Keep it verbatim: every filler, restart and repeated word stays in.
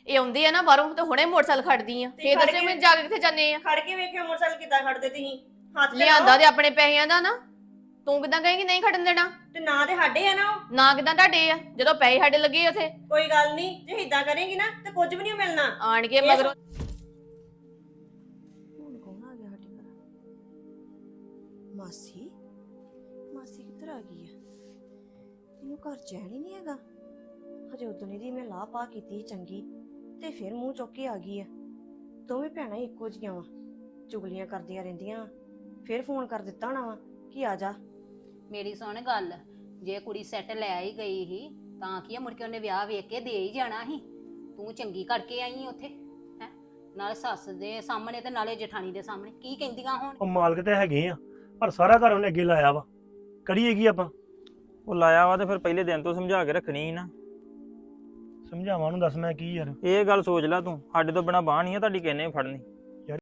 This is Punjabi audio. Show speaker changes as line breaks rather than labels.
ਇਹ ਆਉਂਦੇ ਆ ਨਾ ਬਾਹਰੋਂ ਤੇ ਹੁਣੇ ਮੋਟਰਸਾਈਕਲ ਖੜਦੀ ਆ ਫੇਰ
ਖੜ
ਦੱਸਿਓ
ਕੇ-
ਮੈਂ ਜਾ ਕੇ ਕਿੱਥੇ ਜਾਂਦੇ ਆ
ਖੜ ਕੇ ਵੇਖਿਓ ਮੋਟਰਸਾਈਕਲ ਕਿੱਦਾਂ ਖੜਦੇ ਤੁਸੀਂ ਹੱਥ ਤੇ
ਲਿਆਂਦਾ
ਲਾਓ।
ਤੇ ਆਪਣੇ ਪੈਸਿਆਂ ਦਾ ਨਾ ਤੂੰ ਕਿਦਾਂ ਕਹੇਂਗੀ ਨਹੀਂ ਖੜਨ ਦੇਣਾ
ਤੇ ਨਾ ਤੇ ਸਾਡੇ ਆ ਨਾ ਉਹ।
ਨਾ ਕਿਦਾਂ ਤੁਹਾਡੇ ਆ ਜਦੋਂ ਪੈਸੇ ਸਾਡੇ ਲੱਗੇ ਉਥੇ
ਕੋਈ ਗੱਲ ਨਹੀਂ ਜੇ ਇਦਾਂ ਕਰੇਗੀ ਨਾ ਤੇ ਕੁਝ ਵੀ ਨਹੀਂ ਮਿਲਣਾ।
ਆਣ ਕੇ
ਇਹ
ਮਗਰੋਂ
ਹੁਣ ਕੌਣ ਆ ਗਿਆ ਸਾਡੇ ਘਰ? ਮਾਸੀ ਮਾਸੀ ਕਿੱਧਰ ਆ ਗਈ ਆ? ਇਹਨੂੰ ਘਰ ਚੈਨ ਹੀ ਨਹੀਂ ਹੈਗਾ। ਹਜੇ ਉਦੋਂ ਦੀ ਮੈਂ ਲਾਹ ਪਾ ਕੀਤੀ ਸੀ ਚੰਗੀ ਤੇ ਫਿਰ ਮੂੰਹ ਚੁੱਕ ਕੇ ਆ ਗਈ ਆ। ਦੋਵੇਂ ਭੈਣਾਂ ਹੀ ਇੱਕੋ ਜਿਹੀਆਂ ਵਾ, ਚੁਗਲੀਆਂ ਕਰਦੀਆਂ ਰਹਿੰਦੀਆਂ। ਫਿਰ ਫੋਨ ਕਰ ਦਿੱਤਾ ਹੋਣਾ ਵਾ ਕਿ ਆ ਜਾ।
ਮੇਰੀ ਸੁਣ ਗੱਲ, ਜੇ ਕੁੜੀ ਸੈੱਟ ਲੈ ਹੀ ਗਈ ਸੀ ਤਾਂ ਕੀ ਆ, ਮੁੜ ਕੇ ਉਹਨੇ ਵਿਆਹ ਵੇਖ ਕੇ ਦੇ ਹੀ ਜਾਣਾ ਸੀ। ਤੂੰ ਚੰਗੀ ਕਰਕੇ ਆਈ ਉੱਥੇ ਹੈ, ਨਾਲੇ ਸੱਸ ਦੇ ਸਾਹਮਣੇ ਤੇ ਨਾਲੇ ਜਠਾਣੀ ਦੇ ਸਾਹਮਣੇ। ਕੀ ਕਹਿੰਦੀਆਂ ਹੁਣ?
ਉਹ ਮਾਲਕ ਤੇ ਹੈਗੇ ਆ ਪਰ ਸਾਰਾ ਘਰ ਉਹਨੇ ਅੱਗੇ ਲਾਇਆ ਵਾ, ਕਰੀਏ ਕੀ ਆਪਾਂ?
ਉਹ ਲਾਇਆ ਵਾ ਤੇ ਫਿਰ ਪਹਿਲੇ ਦਿਨ ਤੋਂ ਸਮਝਾ ਕੇ ਰੱਖਣੀ ਸੀ ਨਾ।
ਸਮਝਾਵਾਂ ਨੂੰ ਦੱਸ ਮੈਂ ਕੀ ਯਾਰ।
ਇਹ ਗੱਲ ਸੋਚ ਲੈ ਤੂੰ, ਸਾਡੇ ਤੋਂ ਬਿਨਾ ਬਾਂਹ ਨਹੀਂ ਆ ਤੁਹਾਡੀ ਕਿੰਨੇ ਫੜਨੀ।